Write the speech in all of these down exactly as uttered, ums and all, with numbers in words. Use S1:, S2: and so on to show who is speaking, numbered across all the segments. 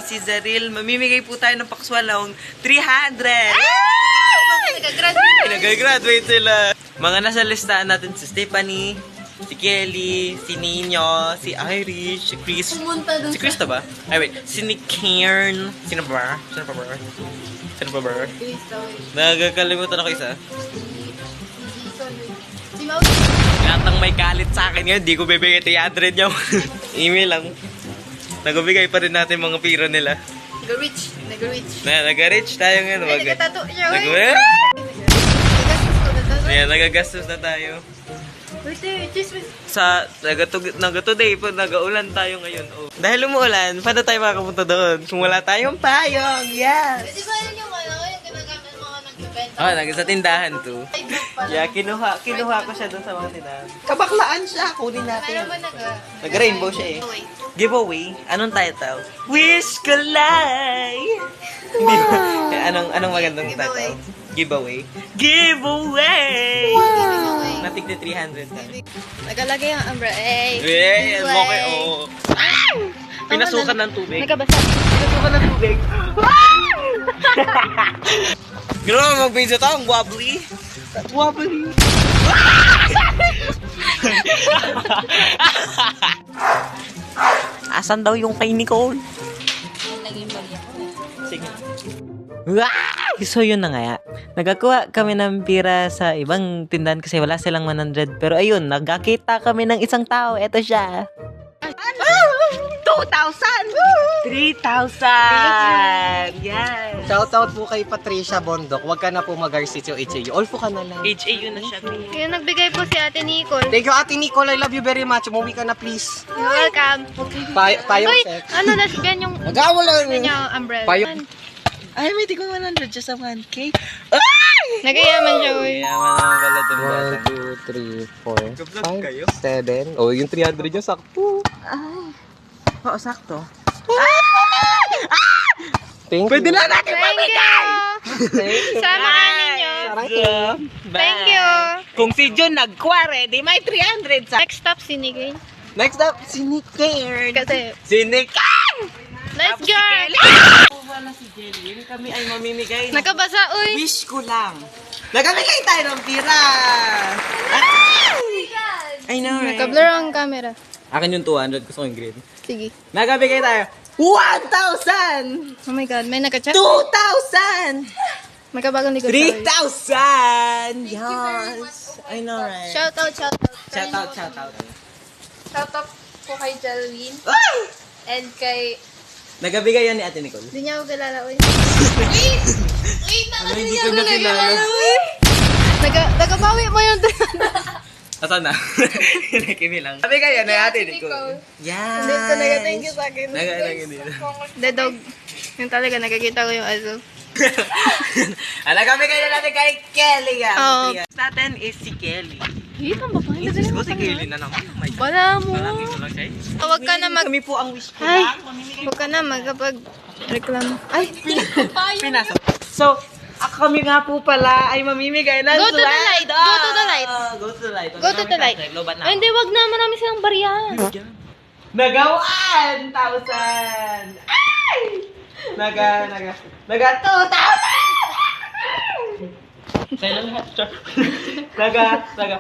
S1: si Zaril. Mamimigay po tayo ng pakswalong three hundred.
S2: Nag-graduate.
S1: Nag-graduate sila. Mga nasa listahan natin si Stephanie, si Kelly, si Nino, si Irish, si Chris.
S2: Pumunta dun
S1: Si Chris na ba? Ay, wait. Si Nick Cairn. Sino pa ba? Sino pa ba? Sino pa ba? Nagkakalimutan ako isa.
S2: Si Maui.
S1: Gatang may galit sa akin ngayon, di ko bibigay three hundred niya. Email lang. Nagbibigay pa rin natin mga pira nila.
S2: Nag-rich. Nag-rich.
S1: Na, nag-reach tayo ngayon.
S2: Ay, nagatato niya.
S1: Nag-
S2: Nagagastos ko na tato.
S1: Ayan, nagagastos na tayo.
S2: Wait, eh, chismis.
S1: Sa nagatoday po, nagaulan tayo ngayon. Oh. Dahil umuulan, paano tayo makapunta doon? Kung wala tayong payong, yes!
S2: Di ba yun yung ano, yung ginagamit mga nagbibenta?
S1: Oh, nag sa tindahan to.
S2: Ay, back pala.
S1: Yeah, kinuha, kinuha ko siya doon sa mga tindahan. Kabaklaan siya, kunin natin.
S2: Meron ba nag...
S1: Nag-rainbow siya eh.
S2: Wait.
S1: Giveaway? Anong title? Wish ko life! Wow! anong, anong magandang
S2: Giveaway.
S1: title? Giveaway. Giveaway!
S2: Giveaway.
S1: Natig na three hundred na.
S2: Nagalagay ang umbrella. Eh,
S1: Eh,
S2: giveaway.
S1: okay, oo. Pinasukan ng tubig.
S2: Nagkabasa.
S1: Pinasukan ng tubig. Gano'n mo mag-video to, ang wobbly. Wobbly. Asan daw yung kay Nicole? Sige. Wow! So yun na nga. Nagkakuha kami ng pira sa ibang tindahan kasi wala silang one hundred. Pero ayun, nagkakita kami ng isang tao. Eto siya. two thousand! three thousand! Yes!
S3: Shoutout po kay Patricia Bondok. Huwag ka na po mag-arsityo H A U. All po ka na lang.
S1: H A U na siya.
S2: Kaya nagbigay po si Ate Nicole.
S3: Thank you, Ate Nicole. I love you very much. Umuwi ka na, please.
S2: You're welcome.
S3: Pa payong
S2: Uy,
S3: sex.
S2: ano, lesbian yung...
S3: Nagawa lang.
S2: Ano niya, umbrella.
S3: Payong.
S1: Ay, may tigong one hundred siya sa one K.
S2: Nagayaman siya, uy.
S1: Yaman naman pala dun.
S3: one, two, three, four,
S1: Gablog
S3: five,
S1: kayo?
S3: seven. Oh, yung three hundred yung sakto.
S1: Oo, sakto.
S3: Thank
S1: Pwede
S3: you.
S1: na natin
S2: Thank
S1: mamigay!
S2: you. Sama ka ninyo. Thank you.
S1: Kung si Jun nagkware, di may three hundred sa...
S2: Next stop, si Nigay.
S1: Next up, si Nick Cairn.
S2: Kasi,
S1: Si Nick Cairn!
S2: let's go!
S1: Wala si Jelly. Yung kami ay mamimigay.
S2: Nakabasa, uy.
S1: Wish ko lang. Nagamigay tayo ng pira! I know, right?
S2: Nakablur ang camera.
S1: Akin yung two hundred. Gusto ko yung green.
S2: Sige.
S1: Nagabigay tayo. one thousand!
S2: Oh my God, may nagka-chat.
S1: two thousand!
S2: May kabagong likod.
S1: three
S2: sorry.
S1: thousand! Yes! I know, right?
S2: Shout out, shout out.
S1: Shout out, shout out.
S2: Shout out po kay Jalwin.
S1: Ay!
S2: And kay...
S1: Nagabigay yan ni Ate Nicole.
S2: Hindi niya ako kilala, uy. Wait! Wait,
S1: Ano, hindi ko na kilala.
S2: Naga, nagabawi mo yung...
S1: Asan na? Nakimi lang. Nabigay yan ni Ate Nicole. Yan.
S2: Hindi ko naga-thank you sa akin.
S1: Naga-thank you.
S2: The dog. Yung talaga, nakakita ko yung aso.
S1: Ala, nagabigay na natin kay Kelly. yan.
S2: Oo.
S1: Next natin is si Kelly.
S2: Hit ang babae.
S1: Yes, ko si Kelly na naman. Oh my God.
S2: Wala mo.
S1: Malaki ko lang siya. eh.
S2: Huwag ka na mag...
S1: Kami po ang wish ko
S2: Ay,
S1: lang. Mamimigay
S2: huwag ka na magkapag... Reklamo. Ay,
S1: Pinasok. So, ako kami nga po pala ay mamimigay ng
S2: Go to the light.
S1: sweldo.
S2: Go to the light.
S1: Go to the light.
S2: Go to the light.
S1: Lobat na.
S2: Ay, hindi, wag na. Marami silang barya.
S1: Nagawaan! Thousand! Ay! Naga, naga, naga, two thousand! Sa'yo lang lahat, sure. Naga, naga,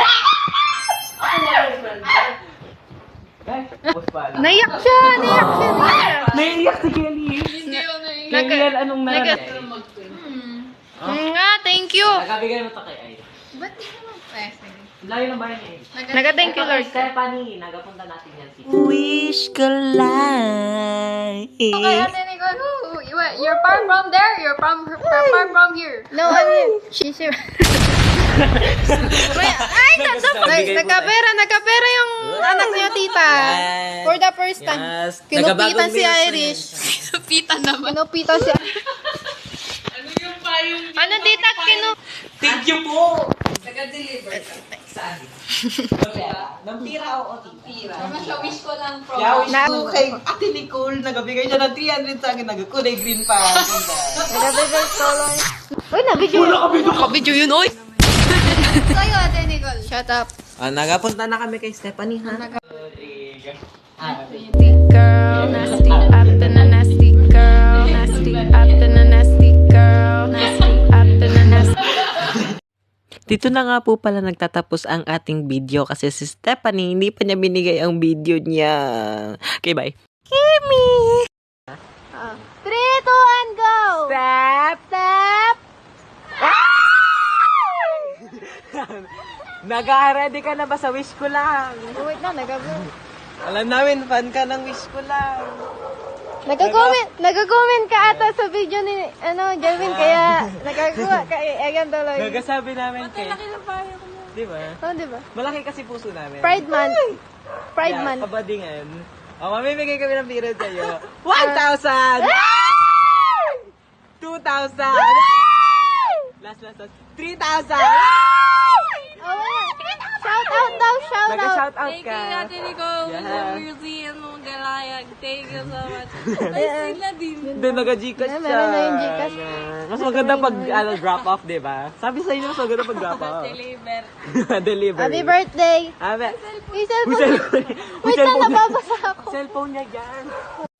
S2: Naiyak siya. Naiyak siya. Naiyak.
S1: naiiyak si Kelly.
S2: Naga-
S1: Kelly, anong
S2: naga-
S1: naga?
S2: Mm, nga, thank you.
S1: Nagabigay mo to kay Ay.
S2: Ba't di naman? Eh, sige.
S1: Layo ng bahay ni Ay.
S2: Naga-thank you, Lord.
S1: Stephanie, nagapunta natin yan si Wish ko life.
S4: Okay, Ate Nicole, who, you, you're far from there, you're from you're far from here.
S2: No, ano? She's here. May, ay, that's so
S1: Nagabigay po
S2: Nagkapera, nagkapera yung anak niya, tita.
S1: Yes.
S2: For the first time.
S1: Yes.
S2: Kinupitan
S1: Nagabagong
S2: si
S1: meals
S2: Irish.
S4: Pita naman.
S2: Kinupitan si... Ano, tita? Kinu...
S1: Thank you po.
S4: Nag-deliver ka.
S1: Saan? Ng pira o tira?
S4: Naman siya, wish ko lang from...
S1: Yeah, wish
S2: Na-
S1: ko kay Ate Nicole. Nagabigay siya ng three hundred sa akin. Nagkulay green pa.
S2: Nagabigay solo. Uy, nabidyo.
S1: Wala kami doon.
S2: Kabidyo yun, oy.
S4: Sa'yo, Ate Nicole.
S2: Shut up.
S1: Ah, nagapunta na kami kay Stephanie, ha?
S2: Nasty girl, nasty, after na nasty
S1: Dito na nga po pala nagtatapos ang ating video kasi si Stephanie hindi pa niya binigay ang video niya. Okay, bye. Kimi!
S2: Three, two, and go!
S1: Step!
S2: Step!
S1: Nag-ready ka na ba sa wish ko lang?
S2: Oh, wait na, nagabo.
S1: Alam namin, fan ka ng wish ko lang.
S2: Nagko-comment, nagko-comment ka ata sa video ni, ano, Jelvin, kaya nagagawa ka, eh, ayan tuloy.
S1: Gagasabi namin kay... Di ba?
S2: Oh, di ba?
S1: Malaki kasi puso namin.
S2: Pride Month. Pride
S1: Yeah,
S2: Month.
S1: kabadingan. O, mamimigay kami ng period sa'yo. one thousand! two thousand! Last, last, last. three thousand!
S2: Oh, wala. Shout out daw, shout out.
S1: Nag-shout out
S5: Thank
S1: ka.
S5: you, Ate Nico.
S1: Yeah.
S5: Really, ano, galayag. Thank you so much. Ay, sila din.
S1: Hindi, nag-Gcash
S2: Yeah,
S1: siya.
S2: meron na yung Gcash.
S1: Mas maganda pag ano, drop off, di ba? Sabi sa inyo, mas maganda pag drop off.
S5: Deliver.
S1: Deliver.
S2: Happy birthday.
S1: Abe.
S2: May
S1: Uy,
S2: cellphone.
S1: cellphone. Uy,
S2: Wait lang,
S1: cellphone niya.
S2: nababasa ako.
S1: Cellphone niya dyan.